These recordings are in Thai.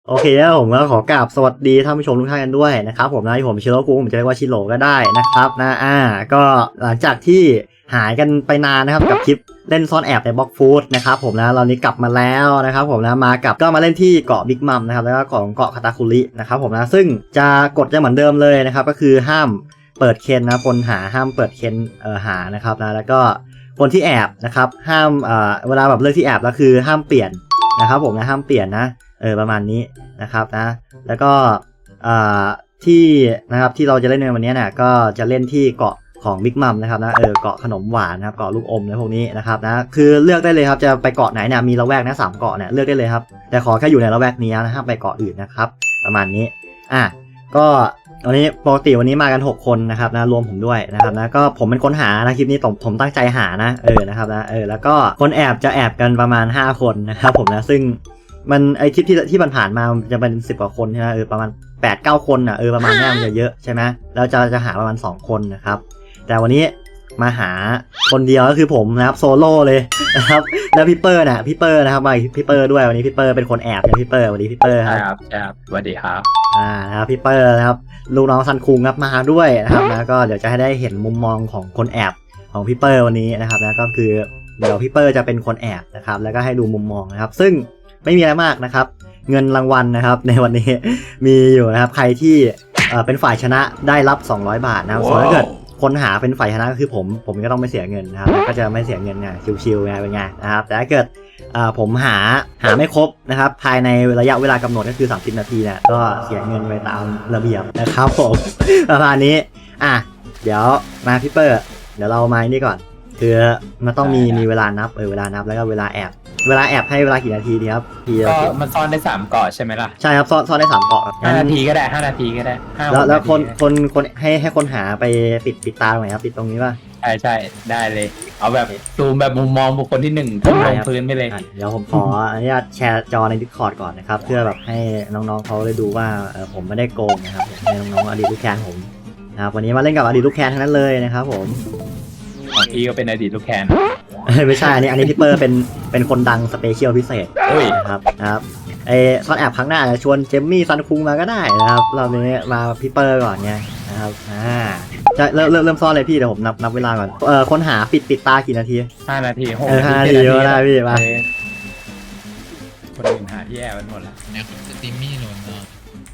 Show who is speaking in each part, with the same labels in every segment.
Speaker 1: โอเคแล้วผมก็ขอกราบสวัสดีท่านผู้ชมทุกท่านกันด้วยนะครับผมนะที่ผมชิโร่กูผมจะเรียกว่าชิโร่ก็ได้นะครับนะก็หลังจากที่หายกันไปนานนะครับกับคลิปเล่นซ่อนแอบในบล็อกฟูดนะครับผมนะเรานี้กลับมาแล้วนะครับผมนะก็มาเล่นที่เกาะบิ๊กมัมนะครับแล้วก็ของเกาะคาตาคุรินะครับผมนะซึ่งจะกฎจะเหมือนเดิมเลยนะครับก็คือห้ามเปิดเคนนะคนหาห้ามเปิดเคนหานะครับนะแล้วก็คนที่แอบนะครับห้ามเวลาแบบเลือกที่แอบแล้วคือห้ามเปลี่ยนนะครับผมนะห้ามเปลี่ยนนะประมาณนี้นะครับนะแล้วก็ที่นะครับที่เราจะเล่นในวันนี้เนี่ยก็จะเล่นที่เกาะของบิ๊กมัมนะครับนะเกาะขนมหวานนะครับเกาะลูกอมและพวกนี้นะครับนะคือเลือกได้เลยครับจะไปเกาะไหนเนี่ยมีละแวกนะ3เกาะเนี่ยเลือกได้เลยครับแต่ขอแค่อยู่ในละแวกนี้นะห้ามไปเกาะอื่นนะครับประมาณนี้ก็วันนี้ปกติวันนี้มากัน6คนนะครับนะรวมผมด้วยนะครับนะก็ผมเป็นคนหานะคลิปนี้ผมตั้งใจหานะนะครับนะแล้วก็คนแอบจะแอบกันประมาณ5คนนะครับผมนะซึ่งมันไอคลิปที่ผ่านมาจะเป็น10 กว่าคนใช่ไหมประมาณ8-9 คนประมาณนี้มันจะเยอะใช่ไหมแล้วจะหาประมาณ2คนนะครับแต่วันนี้มาหาคนเดียวก็คือผมนะครับโซโล่เลยนะครับแล้วพี่เปอร์นะครับมาพี่เปอร์ด้วยวันนี้พี่เปอร์เป็นคนแอบนะพี่เปอร์วันนี้พี่เปอร์
Speaker 2: ครับสวัสดีครับ
Speaker 1: นะครับพี่เปอร์นะครับลูกน้องซันคุงครับมาด้วยนะครับนะก็เดี๋ยวจะให้ได้เห็นมุมมองของคนแอบของพี่เปอร์วันนี้นะครับนะก็คือเดี๋ยวพี่เปอร์จะเป็นคนแอบนะครับแล้วก็ให้ดูมุมมองนะครับซึ่งไม่มีอะไรมากนะครับเงินรางวัลนะครับในวันนี้มีอยู่นะครับใครที่เป็นฝ่ายชนะได้รับ200 บาทนะครับส่วนถ้าเกิดคนหาเป็นฝ่ายชนะก็คือผมก็ต้องไม่เสียเงินนะครับก็จะไม่เสียเงินไงชิวๆไงเป็นไงนะครับแต่ถ้าเกิดผมหาไม่ครบนะครับภายในระยะเวลากำหนดก็คือ30 นาทีเนี่ยก็เสียเงินไปตามระเบียบนะครับผมประมาณนี้เดี๋ยวมาพี่เปอร์เดี๋ยวเรามานี่ก่อนคือมันต้องมีเวลานับเวลานับแล้วก็เวลาแอบให้เวลากี่นาทีดีครับ
Speaker 2: ก็มันซ่อนได้3เกาะใช่ไหมล่ะ
Speaker 1: ใช่ครับซ่อนได้3 เกาะ
Speaker 2: 5 นาทีก็ได้5 นาทีก็ได้
Speaker 1: แล้วคนให้คนหาไปปิดตาตรงไหนครับปิดตรงนี้ป่ะ
Speaker 2: ใช่ได้เลยเอาแบบซูมแบบมุมมองบุคคลที่1ทุ่มลงพื้นไปเลย
Speaker 1: เดี๋ยวผมขออนุญาตแชร์จอใน Discord ก่อนนะครับเพื่อแบบให้น้องๆเขาได้ดูว่าผมไม่ได้โกงนะครับให้น้องๆอดีตลูกแคนผมนะครับวันนี้มาเล่นกับอดีตลูกแคนทั้งนั้นเลยนะครับผม
Speaker 2: ของพี่ก็เป็นอดีตลูกแคน
Speaker 1: ไม่ใช่อันนี้พี่เปอร์เป็นคนดังสเปเชียลพิเศษนะครับซ่อนแอบครั้งหน้าจะชวนเจมมี่ซันคุงมาก็ได้นะครับเรานี้มาพี่เปอร์ก่อนไงนะครับจะเริ่มซ่อนเลยพี่เดี๋ยวผมนับเวลาก่อนคนหาปิดตากี่นาที
Speaker 2: 5 นาที
Speaker 1: 5 นาทีก็ได้พี่มา
Speaker 2: คนอื่นหาที่แอบมันหมดแล้ว
Speaker 3: เนี่ยสตรีมมี่โหลดเนาะ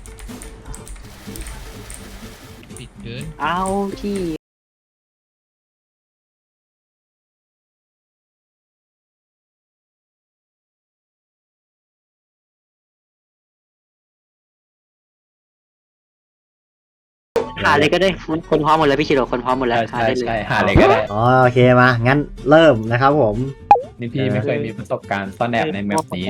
Speaker 3: ปิดเกิน
Speaker 4: เอาที่หาเลยก็ได้คนพร้อมหมดแล้วพี่ชิโร่คนพร้อมหมดแล้ว
Speaker 2: ใช่หาเลยก็ได้
Speaker 1: โอเคมางั้นเริ่มนะครับผม
Speaker 2: นี่พี่ไม่เคยมีประสบการณ์ซ่อนแอบในแมปนี้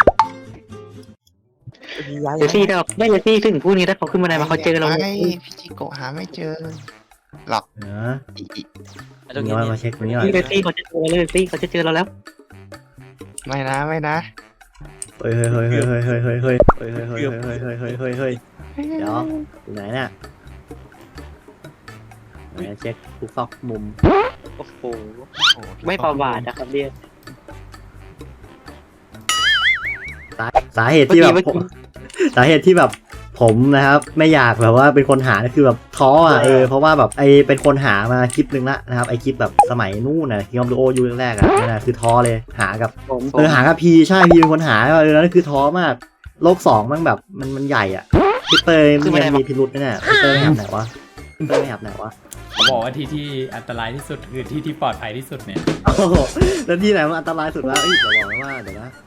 Speaker 4: เดี๋ยวซี่เราได้เลยซี่ถึงพูดนี้ถ้าเขาขึ้นมาได้มาเขาเจอเรา
Speaker 5: พี่จิโกะหาไม่เจอหรอก
Speaker 1: ตรงนี้มาเช็คตรงนี้ก่อน
Speaker 4: พี่เลยซี่เขาจะเจอเราเลยซี่เขาจะเจอเราแล้ว
Speaker 5: ไม่นะ
Speaker 1: เฮ้ยเดี๋ยวอยู่ไหนเนี่ยเช็คทุกซอกมุม
Speaker 4: โอ้โหไม่ประมาทนะครับเนี่ย
Speaker 1: สาเหตุที่แบบผมนะครับไม่อยากแบบว่าเป็นคนหาคือแบบท้อเพราะว่าแบบเป็นคนหามาคลิปนึงละนะครับคลิปแบบสมัยนู่นคิงออฟดูโอยูแรกนั่นนะคือท้อเลยหากับหากับพีใช่พีเป็นคนหานั่นคือท้อมากโลก2มันแบบมันใหญ่พี่เตยมีพิรุธเนี่ยพี่เตยไม่แอบไหนวะ
Speaker 2: เขาบอกว่าที่อันตรายที่สุดคือที่ปลอดภัยที่สุดเนี่ย
Speaker 1: แล้วที่ไหนมันอันตรายสุดวะเดี๋ยวบอกว่าเดี๋ยวนะ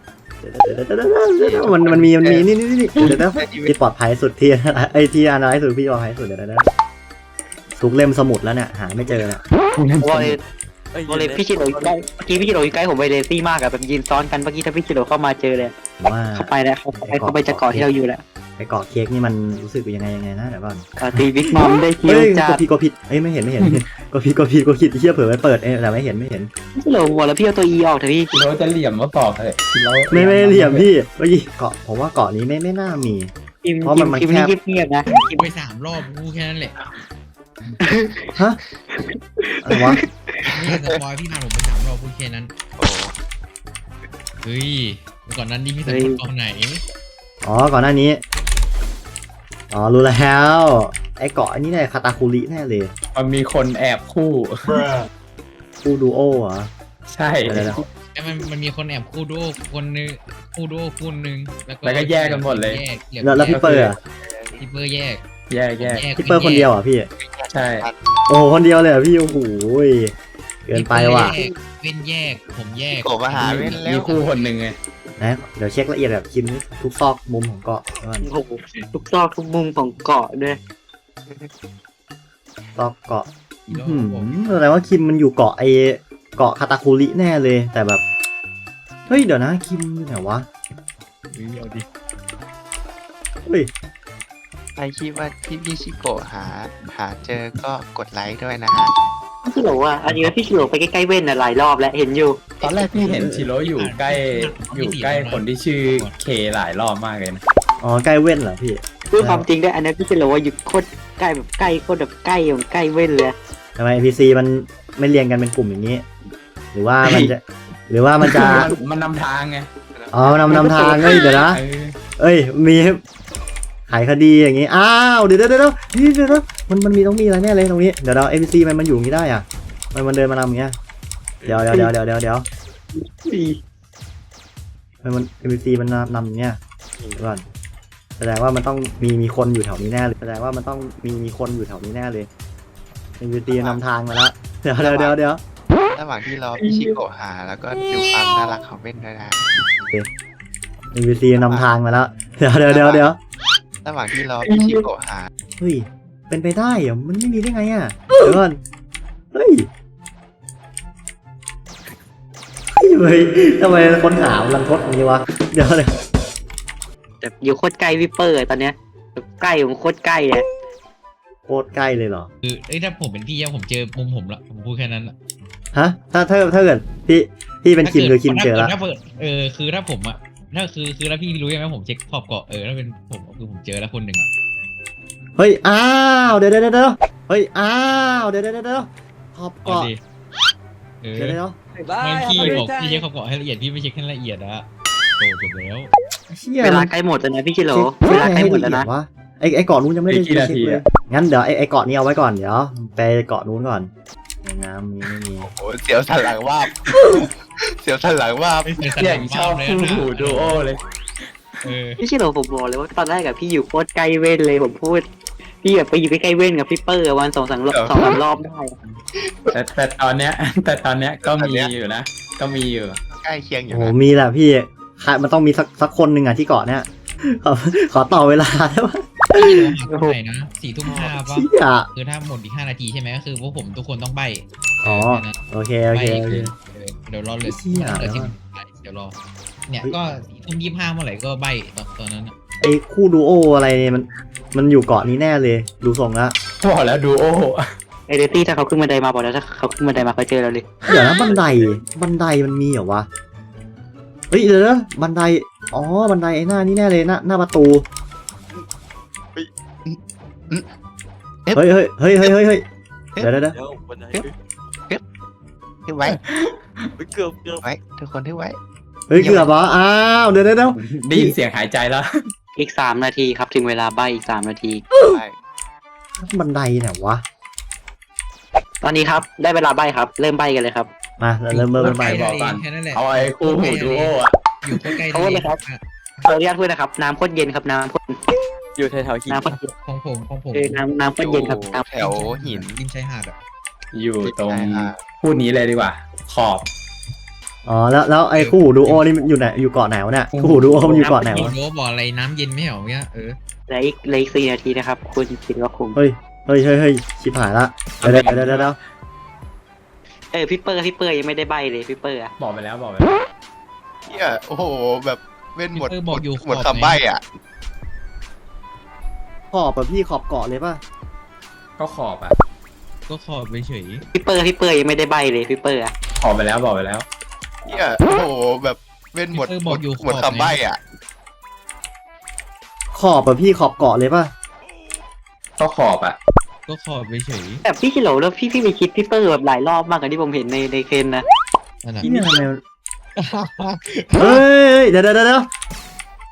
Speaker 1: มันมีนี่เดี๋ยวนะที่ปลอดภัยสุดที่ที่อันตรายสุดพี่ปลอดภัยสุดเดี๋ยวนะทุกเล่มสมุดแล้วเนี่ยหาไม่เจอเนี่ย
Speaker 4: โอเลพี่ชิโร่ใกล้เมื่อกี้พี่ชิโร่อยู่ใกล้ผมไปเลซี่มากแบบยืนซ้อนกันเมื่อกี้ถ้าพี่ชิโร่เข้ามาเจอเลย
Speaker 1: ว่า
Speaker 4: เข้าไปแล้วเขาไปจะเกาะที่เราอยู่แล้ว
Speaker 1: ไปเกาะเค้กนี่มันรู้สึกยังไงนะเดี๋ยวก่อน
Speaker 4: ตีบิ๊กมัมได้คิวจ้า
Speaker 1: ก็ผิดไม่เห็นก็ผิดเชี่ยเผลอไปเปิดแต่ไม่เห็น
Speaker 4: พี่โหลหัวแล้วพี่เอาตัว E ออกเถอะพี่
Speaker 2: เราจะเหลี่ยมมาบอกเลย
Speaker 1: ไม่เหลี่ยมพี่เมื่อกี้เกาะผมว่าเกาะนี้ไม่น่ามีเพราะมันแคบ
Speaker 4: เงียบนะ
Speaker 3: กินไป3 รอบกูแค่นั้นแหละ
Speaker 1: ฮะอะไรวะ
Speaker 3: นี่สปอยพี่พาผมไป3 รอบพูดแค่นั้นเฮ้ยก่อนนั้นนี่พี่สปอยกองไหน
Speaker 1: อ๋อก่อนหน้านี้อ๋อรู้แล้วไอ้เกาะอันนี้แน่คาตาคุริแน่เลย
Speaker 2: มันมีคนแอบคู่
Speaker 1: คู่ดูโอเหรอ
Speaker 2: ใช่
Speaker 1: เดี๋ยว
Speaker 3: แต่มันมีคนแอบคู่ดูโอคนนึงคู่ดูโอคู่นึง
Speaker 2: แล้วก็แยกกันหมดเลย
Speaker 1: แล้วพี่เปอร์อะ
Speaker 3: พี่เปอร์แยก
Speaker 2: แยก
Speaker 1: พี่เปอร์คนเดียวเหรอ่ะพี่
Speaker 2: ใช่
Speaker 1: โอ้โหคนเดียวเลยเหรอพี่โอ้โหเกินไปว่ะ
Speaker 3: เว้นแยกผมแยก
Speaker 5: โกะมาหาเว้นแล้
Speaker 2: มี
Speaker 5: ว
Speaker 2: คู่คนหนึ่งไง
Speaker 1: นะเดี๋ยวเช็คละเอียดแบบคิมทุกซอกมุมของเกาะก่อน
Speaker 4: โอ้โหทุกซอกทุกมุมของเกาะด้วย
Speaker 1: ซอกเกาะ
Speaker 3: อีโร่
Speaker 1: แสดงว่าคิมมันอยู่เกาะไอเกาะคาตาคุริแน่เลยแต่แบบเฮ้ยเดี๋ยวนะคิมอยู่ไหนวะ
Speaker 3: เอาดิ
Speaker 1: เฮ้ย
Speaker 5: ใครคิดว่าที่พี่ชิโกะหาเจอก็กดไลค์ด้วยนะฮะ
Speaker 4: พี่ชิโร่อะอันนี้พี่ชิโร่ไปใกล้ๆเว้นอะหลายรอบแล้วเห็นอยู่
Speaker 2: ตอนแรกพี่เห็นชิโร่อยู่ใกล้คนที่ชื่อเคหลายรอบมากเลยนะ
Speaker 1: อ๋อใกล้เว้นเหรอพี่
Speaker 4: พูดความจริงด้วยอันนี้พี่ชิโร่ว่าอยู่โคตรใกล้แบบใกล้โคตรแบบใกล้ของใกล้เว้นเลย
Speaker 1: ทำไม NPC มันไม่เรียงกันเป็นกลุ่มอย่างนี้ หรือว่ามันจะ
Speaker 2: มันนำทางไง
Speaker 1: อ๋อนำทางเอ้ยเดี๋ยวนะ
Speaker 2: เออ
Speaker 1: เอ้ยมีไขคดีอย่างงี้อ้าวเดี๋ยวมันมีต้องมีอะไรแน่เลยตรงนี้เดี๋ยวเรา NPC มันอยู่อย่างงี้ได้อ่ะมันเดินมานำอย่างเงี้ยเดี๋ยวมัน NPC มันนำอย่างเงี้ยเดี๋ยวก่อนแสดงว่ามันต้องมีคนอยู่แถวนี้แน่เลยแสดงว่ามันต้องมีคนอยู่แถวนี้แน่เลย NPC นำทางมาแล้วเดี๋ยว
Speaker 5: ระหว่างที่รอพี่ชิโกะหาแล้วก็ดูความน่ารักของเว้นด้วยนะ
Speaker 1: NPC นำทางมาแล้วเดี๋ยว
Speaker 5: ระหว่างที่รอพี่ชิโกะหา
Speaker 1: เฮ้ยเป็นไปได้เหรอมันไม่มีได้ไงอ่ะเดี๋ยวก่อนเฮ้ยทำไมคนหาลังทดอย่างนี้วะเดี๋ยว
Speaker 4: แบบอยู่โคตรใกล้วิปเปอร์ตอนเนี้ยแบบใกล้ของโคตรใกล้อะ
Speaker 1: โคตรใกล้เลยเหรอ
Speaker 3: คือถ้าผมเป็นพี่ผมเจอมุมผมละผมพูดแค่นั้นละ
Speaker 1: ฮะถ้าเกิดพี่เป็นคิมคือคิมเจอแล้ว
Speaker 3: ถ้าเปิดคือถ้าผมอะถ้าคือถ้าพี่รู้ใช่ไหมผมเช็คขอบเกาะถ้าเป็นผมคือผมเจอแล้วคนหนึ่ง
Speaker 1: เฮ้ยอ้าวเดี๋ยวเฮ้ยอ้าวเดี๋ยวขอบ
Speaker 3: เอา
Speaker 1: เกาะ
Speaker 3: ดิ
Speaker 1: เดี๋ยว
Speaker 3: ไม่พี่บอกพี่เช็คขอบเกาะให้ละเอียดพี่ไม่เช็คให้ละเอียดอะโตจบแล้ว
Speaker 1: เชี่ย
Speaker 4: เวลาใกล้หมดแล้วนะพี่ชิโร่เวลาใกล้หมดแล้วนะ
Speaker 1: วะไอเกาะนู้นยังไม่ได้เช็คเลยงั้นเดี๋ยวไอเกาะนี้เอาไว้ก่อนเดี๋ยวไปเกาะนู้นก่อนน้ำมีไม่มี
Speaker 5: โอ้เสียวสันหลังว่าบ เสียวสันหลังว่าบ
Speaker 3: ไม่เคย
Speaker 2: อย่างชอบคู่หูดูโอเลย
Speaker 4: พี่ชิโร่ผมบอกเลยว่าตอนแรกกับพี่อยู่โคตรใกล้เว้นเลยผมพูดพี่แบบไปอยู่ใกล้ๆเว้นกับพี่เปอร์วันสองสามรอบได้
Speaker 2: แต่ตอนเนี้ยก็มีอยู่นะก็มีอยู่
Speaker 5: ใกล้เคียงอยู่
Speaker 1: โอ้โห
Speaker 5: นะ
Speaker 1: มีแหละพี่มันต้องมีสักคนหนึ่งอะที่เกาะเนี้ยขอต่อเวลาได้ปะ
Speaker 3: พี่โดนหาเท่าไหร่นะ4:05ป่ะ
Speaker 1: เชี่ย
Speaker 3: คือถ้าหมดอีก5 นาทีใช่ไหมก็คือพวกผมทุกคนต้องใบ
Speaker 1: อ๋อโอเค
Speaker 3: เดี๋ยวรอเลย
Speaker 1: เชี่ย
Speaker 3: เดี๋ยวรอเนี่ยก็4:25เมื่อไหร่ก็ใบตอนนั้น
Speaker 1: ไอ้คู่ดูโออะไรเนี่ยมันอยู่เกาะนี้แน่เลยดูทรงละ
Speaker 2: บอกแล้วดูโอ
Speaker 4: ไอเดตี้ถ้าเขาขึ้นบันไดมาบอกแล้วถ้าเขาขึ้นบันไดมาเขาเจอเราเลย
Speaker 1: เดี๋ยวนะบันไดมันมีเหรอวะเฮ้ยเดี๋ยวนะบันไดอ๋อบันไดไอ้หน้านี่แน่เลยหน้าประตูเฮ้ยเดี๋ยว
Speaker 5: ที่ไว้
Speaker 6: เกือบ
Speaker 5: ไว้ทุกคนที่ไว้
Speaker 1: เฮ้ยเกือบเหรออ้าวเดี๋ยว
Speaker 2: ได้ยินเสียงหายใจแล้ว
Speaker 4: อีก3 นาทีครับถึงเวลาใบอีก3 นาที
Speaker 5: ไป
Speaker 1: บันไดไหนวะ
Speaker 4: ตอนนี้ครับได้เวลาใบครับเริ่มใบกันเลยครับ
Speaker 1: มาเริ่มใหม่
Speaker 2: บอกก่อน
Speaker 3: แค่นั้นแหละ
Speaker 2: เอาไอ้คู่หูดูโออะ
Speaker 3: อยู่ใกล้ๆ
Speaker 4: เขาเลยครับ ขออนุญาตพูดนะครับน้ำโคตรเย็นครับน้ำโคตร
Speaker 6: อยู่แถวๆหิน
Speaker 4: น้ำโคตรเย็น
Speaker 3: ของผม
Speaker 4: น้ำโคตรเย็นครับน้ำ
Speaker 5: แถวหิน
Speaker 3: ริมชายหาดอ่ะ
Speaker 2: อยู่ตรงพูดนี้เลยดีกว่า ขอบ
Speaker 1: อ๋อแล้วไอ้คู่หูดูโอนี่มันอยู่ไหนอยู่เกาะไหนวะเนี่ยคู่หูดูโอมันอยู่เกาะไหนวะ
Speaker 3: โน้บอกอะไรน้ำเย็นไม่เหรอเนี่ย
Speaker 4: เหลืออีก4 นาทีนะครับคุณศิลปคุม
Speaker 1: เฮ้ยชิบหายละเดี๋ยว
Speaker 4: พี่เปอร์ยังไม่ได้ใบเลยพี่เปอร์อะ
Speaker 2: บอกไปแล้ว
Speaker 5: เนี่ยโอ้โหแบบเว้นหมด
Speaker 3: บอกอยู่
Speaker 5: หมดคำใบ้อ่ะ
Speaker 1: ขอบแบบพี่ขอบเกาะเลยป่ะ
Speaker 2: ก็ขอบอ่ะ
Speaker 3: ก็ขอบไปเฉย
Speaker 4: พี่เปอร์ยังไม่ได้ใบเลยพี่เปอร์อะ
Speaker 2: ขอบไปแล้วบอกไปแล้ว
Speaker 5: เนี่ยโอ้โหแบบเว้นหมดหมดคำใบ้อ่ะ
Speaker 1: ขอบแบบพี่ขอบเกาะเลยป่ะ
Speaker 2: ก็ขอบอ่ะ
Speaker 3: ก็ขอบไปเฉย
Speaker 4: แต่พี่ชิโร่แล้วพี่ไปคิดพี่เปอร์แบบหลายรอบมากกว่าที่ผมเห็นในเคนนะ
Speaker 3: นั่นแหละ
Speaker 1: ที่เนี่ยทำไมเฮ้ยเดี๋ยว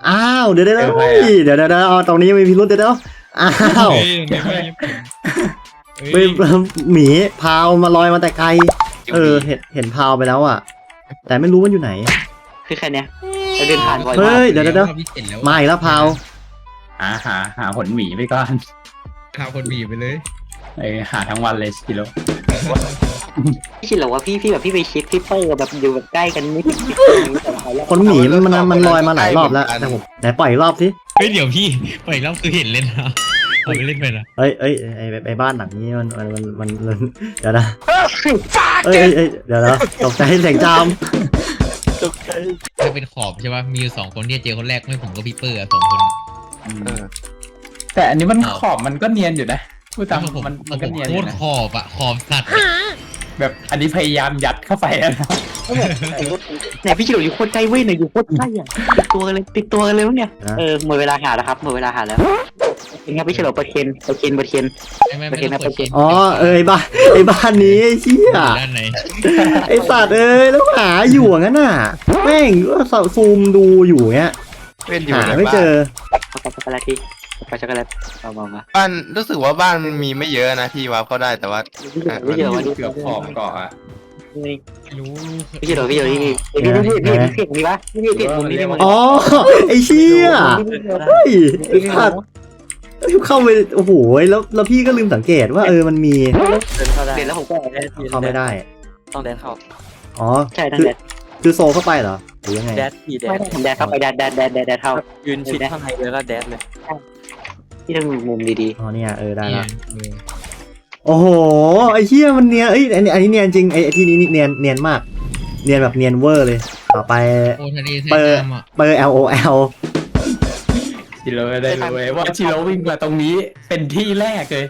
Speaker 1: อ้าวเดี๋ยวเอาตรงนี้มีพิรุธเดี๋ยวอ้าว
Speaker 3: เฮ้ยเดี๋ยวไม่
Speaker 1: ไปหมีพาวมาลอยมาแต่ไกลเห็นพาวไปแล้วอ่ะแต่ไม่รู้มันอยู่ไหน
Speaker 4: คือแค่เนี้ยเราเดินผ่านบ่อย
Speaker 1: เฮ้
Speaker 4: มาก
Speaker 1: ยเดี๋ยวมาอีกแล้วพาว
Speaker 2: หาผลหมีไปก่อน
Speaker 3: ข่าวคนบีบไปเลย
Speaker 2: หาทั้งวันเลยชิโร่
Speaker 4: พี่ชิโร่ว่าพี่แบบพี่ไปเช็คพี่เปอร์แบบอยู่แบบใกล้กันนิด
Speaker 1: คนหมีมันลอยมาหลายรอบแล้วแต่ผมไหนปล่อยอีกรอบสิ
Speaker 3: เฮ้ยเดี๋ยวพี่ไปอีกรอบคือเห็นเล่นนะเอาไปเล่นไปนะ
Speaker 1: เอ้ยไอ้บ้านหลังนี้มันเดี๋ยวนะเอ้ยเดี๋ยวนะตกใจเสียงจาม
Speaker 6: ตกใจ
Speaker 3: ถ้าเป็นขอบใช่ป่ะมีอยู่2 คนที่เจอคนแรกไม่ผมก็พี่เปอร์2 คน
Speaker 2: แต่อันนี้มันขอบมันก็เนียนอยู่นะพูดตามมันก็เนียนอ
Speaker 3: โค
Speaker 2: ยู่
Speaker 3: ตร
Speaker 2: นะ
Speaker 3: ขอบอะขอบสัตว์
Speaker 2: แบบอันนี้พยายามยัดเข้าไปนะ
Speaker 4: เนี่ยพี่ชิโร่อยู่โคตรใกล้เว้ยเนี่ยอยู่โคตรใกล้อ่ะติดตัวกันเลยเนี่ยหมดเวลาหาแล้วครับหมดเวลาหาแล้วเป็นไงพี่ชิโร่ประเคน
Speaker 3: ไม่
Speaker 4: โอเคนะ
Speaker 3: เปิดเกม
Speaker 1: อ๋อไอ้บ้านนี้ไอ้เชี่ย
Speaker 3: ด้านไหน
Speaker 1: ไอ้สัตว์แล้วหาอยู่งั้นน่ะแม่งก็ซูมดูอยู่เงี้ย
Speaker 5: เว้นอยู่
Speaker 1: หา
Speaker 5: ใน
Speaker 1: ไม่
Speaker 5: บ้า
Speaker 1: เจ
Speaker 5: น
Speaker 1: อ
Speaker 4: ช็อกโกแลตที่ช็อกโกแลตมา
Speaker 5: บ้านรู้สึกว่าบ้านมันมีไม่เยอะนะพี่วาร์ปเข้าได้แต่ว่า
Speaker 4: พี่ชิโร่ว่า
Speaker 2: เกือบขอบเกาะอะ
Speaker 3: รู้
Speaker 4: พี่ชิโร่พี่เสียงนี้ปะพี่เสียงมุมนี้
Speaker 1: อ๋อไอ้เชี่ยเฮ้ยไอ้สัตว์เข้าไปโอ้โหแล้วพี่ก็ลืมสังเกตว่ามันมี
Speaker 6: เดินเข้าได้
Speaker 4: เสร็จแล้วผมก็
Speaker 1: เข้าไม่ได้
Speaker 6: ต้องแดดเข้า
Speaker 1: อ๋อ
Speaker 4: ใช่ทั้งแดด
Speaker 1: คือโซเข้าไปเหรอหรือยังไง
Speaker 6: แดดพี่แด
Speaker 4: ไม่
Speaker 6: ด
Speaker 4: ได้ผมแดดเข้าไปแดดเท่า
Speaker 6: ยืนชิดข้างในเลยแล้วแดดเลย
Speaker 4: ที่ต้องมุมดี
Speaker 1: อ๋อเนี่ยได้
Speaker 3: นี่
Speaker 1: ละโอ้โหไอ้เชี่ยมันเนียนอันนี้เนียนจริงไอ้ที่นี้เนียนมาก เนียนแบบเนียนเวอร์เลยต่อไป
Speaker 3: โอ้ทะเลไทยน้ำอ่ะ
Speaker 1: เปอร์ LOL
Speaker 2: ชิโร่ได้รู้เลยว่าชิโร่วิ่งมาตรงนี้เป็นที่แรกเลย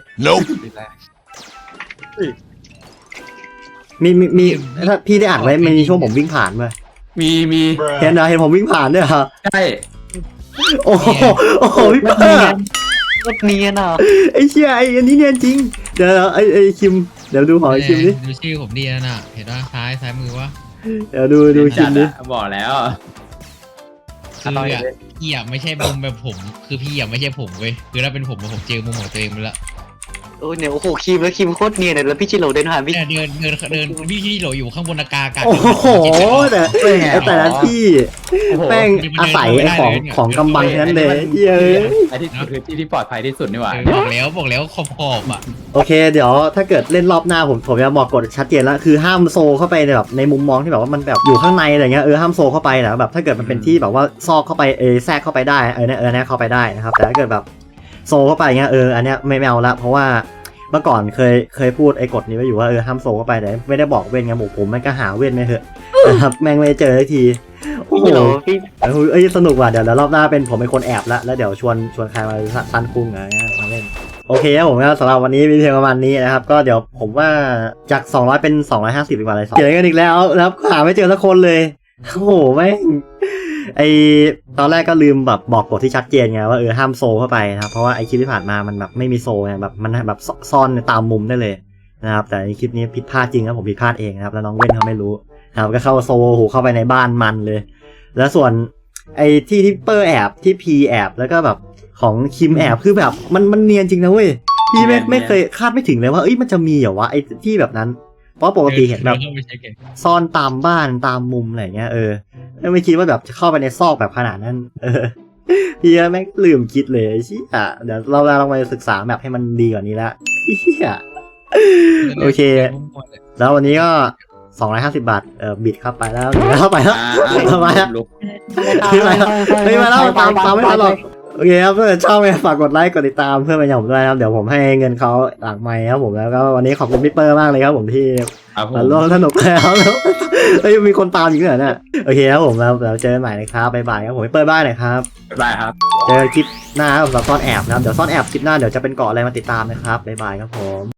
Speaker 1: มีถ้าพี่ได้อ่านไว้มันมีช่วงผมวิ่งผ่านมา
Speaker 2: มี
Speaker 1: เห็นผมวิ่งผ่านด้วยเหรอ
Speaker 2: ใช่
Speaker 1: โอ้โหพี่เปอร์
Speaker 4: ๆก็เนียนอ่ะ
Speaker 1: ไอ้เชี่ยอันนี้เนียนจริงเดี๋ยวไอ้คิมเดี๋ยวดูของไอ้คิมดิ
Speaker 3: ดูชื่อผมดีน่ะเห็นว่าซ้ายมือวะ
Speaker 1: เดี๋ยวดูคิ
Speaker 2: จั
Speaker 1: ม
Speaker 2: ด
Speaker 1: ดิ
Speaker 2: อะบอกแล้ว
Speaker 3: คือพี่อ่ะไม่ใช่มุมแบบผมคือพี่อ่ะไม่ใช่ผมเว้ยคือถ้าเป็นผมเจอมุมของตัวเองไปละ
Speaker 4: โอ้เนี่ยโอ้โหคิมแล้วคิมโคตรเนียนเลยแล้วพี่ชิโร่เดินผ่านพี่
Speaker 3: เดินพี่ที่โหลอยู่ข้างบนอากาศ
Speaker 1: โอ้โหแต่ละที่
Speaker 2: โอ้โห
Speaker 1: แป้งอาศัยไอ้ของกำบังทั้งนั้นเลยเย้ย
Speaker 2: ไอ้ที่คือที่ปลอดภัยที่สุดนี่หว่า
Speaker 3: บอกแล้วขอบอ่ะ
Speaker 1: โอเคเดี๋ยวถ้าเกิดเล่นรอบหน้าผมจะบอกกฎชัดเจนแล้วคือห้ามโซเข้าไปในแบบในมุมมองที่แบบว่ามันแบบอยู่ข้างในอะไรเงี้ยห้ามโซเข้าไปนะแบบถ้าเกิดมันเป็นที่แบบว่าซอกเข้าไปแทรกเข้าไปได้เนี่ยเข้าไปได้นะครับแต่ถ้าเกิดแบบโซเข้าไปเงี้ยอันเนี้ยไม่เอาละเพราะว่าเมื่อก่อนเคยพูดไอ้กฎนี้ไว้อยู่ว่าห้ามโซเข้าไปแต่ไม่ได้บอกเว้นไงผมมันก็หาเว้นไม่เถอะนะครับแม่งไม่เจอสักทีโอ้
Speaker 4: พี่
Speaker 1: โห
Speaker 4: ชิโร่พี่
Speaker 1: สนุกว่ะเดี๋ยวรอบหน้าเป็นผมเป็นคนแอบแล้วเดี๋ยวชวนใครมาซันคุ้งอะไรเงี้ยมาเล่นโอเคครับผมก็สำหรับวันนี้มีเพียงประมาณนี้นะครับก็เดี๋ยวผมว่าจาก200เป็น250ดีกว่าเลยเขียนกันอีกแล้วนะครับหาไม่เจอสักคนเลยโอ้โหแม่งไอตอนแรกก็ลืมแบบบอกกฎที่ชัดเจนไงว่าห้ามโซเข้าไปนะครับเพราะว่าไอคลิปที่ผ่านมามันแบบไม่มีโซไงแบบมันแบบซ่อนตามมุมได้เลยนะครับแต่ในคลิปนี้ผิดพลาดจริงครับผมผิดพลาดเองนะครับแล้วน้องเว้นเขาไม่รู้นะครับก็เข้าโซเข้าไปในบ้านมันเลยแล้วส่วนไอ้ที่เปอร์แอบที่พีแอบแล้วก็แบบของคิมแอบคือแบบมันเนียนจริงนะเว้ยพี่ไม่เคยคาดไม่ถึงเลยว่ามันจะมีเหรอวะไอ้ที่แบบนั้นเพราะปกติเห็นแบบซ่อนตามบ้านตามมุมอะไรเงี้ยไม่คิดว่าแบบจะเข้าไปในซอกแบบขนาดนั้นพี่แม่งลืมคิดเลยเชี่ยเดี๋ยวเราลองไปศึกษาแบบให้มันดีกว่านี้ละเชี่ยโอเคแล้ววันนี้ก็250 บาทบิดเข้าไปแล้วเข้าไปแล้วมาแล้วตามไม่ทันหรอกโอเคครับถ้าชอบฝากกดไลค์กดติดตามเพื่อนเป็นอย่างผมด้วยนะครับเดี๋ยวผมให้เงินเขาหลังไมค์ครับผมแล้วก็วันนี้ขอบคุณพี่เปอร์มากเลยครับผมที่มาร่วมสนุกแล้วมีคนตามอีกเหรอเนี่ยโอเคครับผมแล้วเจอกันใหม่นะครับบ๊ายบายครับผมพี่เปอร์บ้ายหน่อยครับ
Speaker 2: ได้ครับ
Speaker 1: เจอคลิปหน้าสำหรับซ่อนแอบนะครับเดี๋ยวซ่อนแอบคลิปหน้าเดี๋ยวจะเป็นเกาะอะไรมาติดตามนะครับบ๊ายบายครับผม